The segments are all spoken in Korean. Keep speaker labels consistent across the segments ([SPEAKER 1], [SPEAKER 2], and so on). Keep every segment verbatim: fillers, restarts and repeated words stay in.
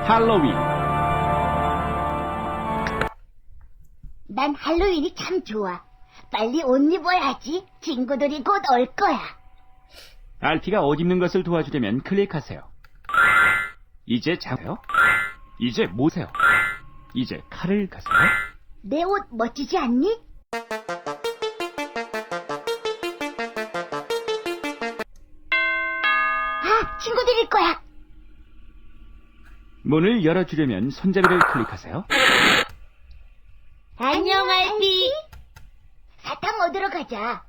[SPEAKER 1] 할로윈.
[SPEAKER 2] 난 할로윈이 참 좋아. 빨리 옷 입어야지. 친구들이 곧 올 거야.
[SPEAKER 1] 알피가 옷 입는 것을 도와주려면 클릭하세요. 이제 장세요. 이제 모세요. 이제 칼을 가세요.
[SPEAKER 2] 내 옷 멋지지 않니? 아, 친구들일 거야.
[SPEAKER 1] 문을 열어주려면 손잡이를 클릭하세요.
[SPEAKER 2] 안녕, 알피. 사탕 얻으러 가자.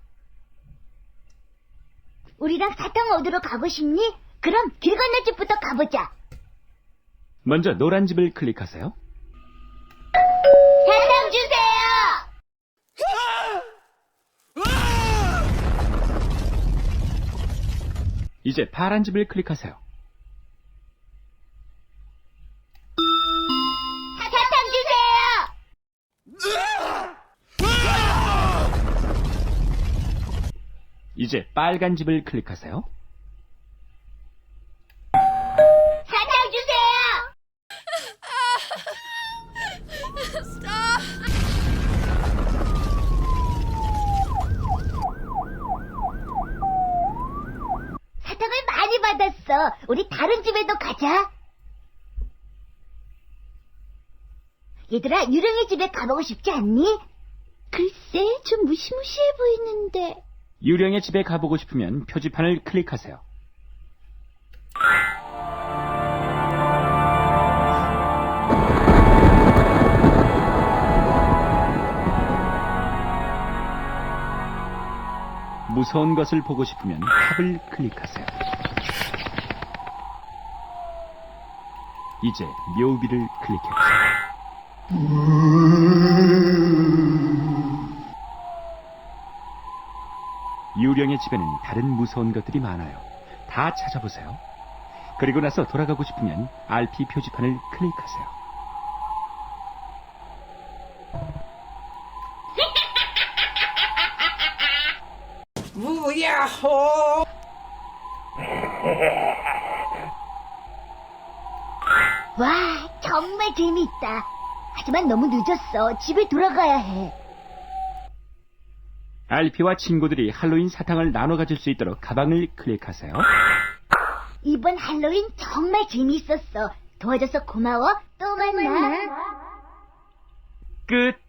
[SPEAKER 2] 우리랑 사탕 얻으러 가고 싶니? 그럼 길 건너 집부터 가보자.
[SPEAKER 1] 먼저 노란 집을 클릭하세요.
[SPEAKER 2] 사탕 주세요.
[SPEAKER 1] 이제 파란 집을 클릭하세요.
[SPEAKER 2] 사탕 주세요.
[SPEAKER 1] 이제 빨간 집을 클릭하세요.
[SPEAKER 2] 사탕 주세요. 사탕을 많이 받았어. 우리 다른 집에도 가자. 얘들아, 유령의 집에 가보고 싶지 않니? 글쎄, 좀 무시무시해 보이는데.
[SPEAKER 1] 유령의 집에 가보고 싶으면 표지판을 클릭하세요. 무서운 것을 보고 싶으면 탑을 클릭하세요. 이제 묘비를 클릭해보세요. 유령의 집에는 다른 무서운 것들이 많아요. 다 찾아보세요. 그리고 나서 돌아가고 싶으면 알피 표지판을 클릭하세요.
[SPEAKER 3] 무야호!
[SPEAKER 2] 와, 정말 재미있다. 하지만 너무 늦었어. 집에 돌아가야 해.
[SPEAKER 1] 알피와 친구들이 할로윈 사탕을 나눠 가질 수 있도록 가방을 클릭하세요.
[SPEAKER 2] 이번 할로윈 정말 재미있었어. 도와줘서 고마워. 또 만나.
[SPEAKER 1] 끝!